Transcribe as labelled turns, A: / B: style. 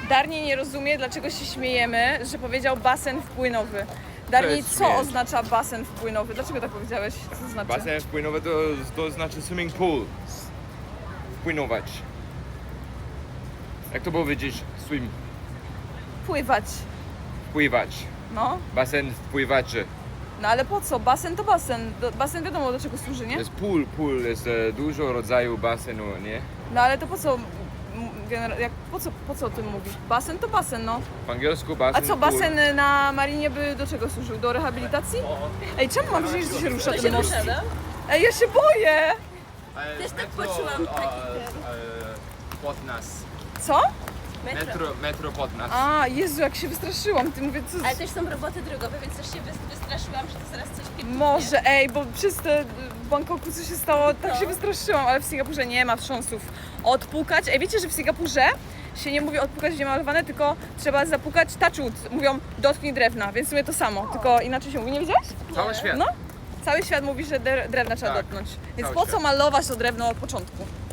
A: Darni nie rozumie, dlaczego się śmiejemy, że powiedział basen wpłynowy. Darni, co
B: śmieć.
A: oznacza basen wpłynowy? Dlaczego tak powiedziałeś? Co to znaczy?
B: Basen wpłynowy to znaczy swimming pool. Wpłynować. Jak to powiedzieć? Swim.
A: Pływać.
B: Wpływać.
A: No.
B: Basen wpływaczy.
A: No ale po co? Basen to basen. Basen wiadomo do czego służy,
B: To
A: nie?
B: jest pool, jest dużo rodzajów basenu, nie?
A: No ale to po co? Po co o tym mówisz? Basen to basen, no.
B: W angielsku
A: A
B: basen
A: co,
B: pool.
A: basen na marinie by do czego służył? Do rehabilitacji? Ej, czemu mam wrażenie, że się rusza ten most? Ej, ja się boję!
C: Też tak poczułam
B: pod nas.
A: Co?
B: Metro pod nas.
A: A, Jezu, jak się wystraszyłam. Ty mówię, co...
C: Ale też są roboty drogowe, więc też się wystraszyłam, że to zaraz coś pierdolnie.
A: Może, ej, bo przez te w Bangkoku co się stało, tak się wystraszyłam, ale w Singapurze nie ma wstrząsów. Odpukać. Ej, wiecie, że w Singapurze się nie mówi odpukać, gdzie malowane, tylko trzeba zapukać touch wood. Mówią dotknij drewna, więc w sumie to samo, tylko inaczej się mówi. Nie wiedziałeś?
B: Cały świat.
A: No. Cały świat mówi, że drewna trzeba
B: Tak,
A: dotknąć. Więc
B: cały
A: po co
B: świat.
A: malować to drewno od początku?